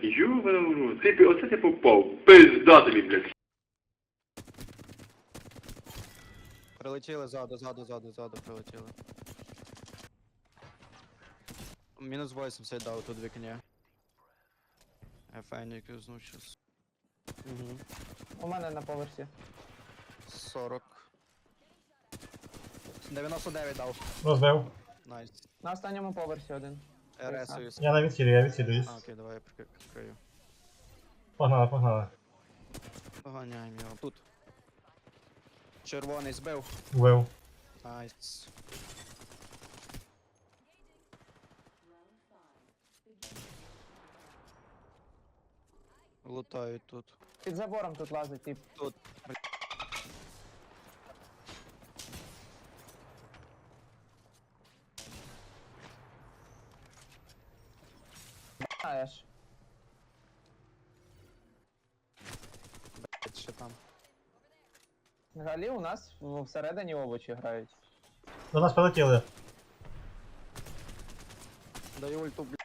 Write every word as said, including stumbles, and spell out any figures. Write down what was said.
Ёбана в рот. Ти, оце ти попав. Пизда тобі, блядь. Прилетіли ззаду, ззаду, ззаду, ззаду прилетіли. Мінус вісімдесят дав тут вікні. Я файник юзнув щас. Угу. У мене на поверсі. сорок. дев'яносто дев'ять дав. Розбив. Найс. На останньому поверсі один. РСуюсь. Я на відхилі, я відхилююсь. А, окей, давай я прикри- прикрию. Погнали, погнали. Поганяємо його. Тут. Червоний збив. Вбив. Найс. Лутають тут. Під забором тут лазить, тип. Тут. Знаєш. Блять, ще там. Взагалі у нас в- всередині овочі грають. До нас прилетіли. Даю ульту, блядь.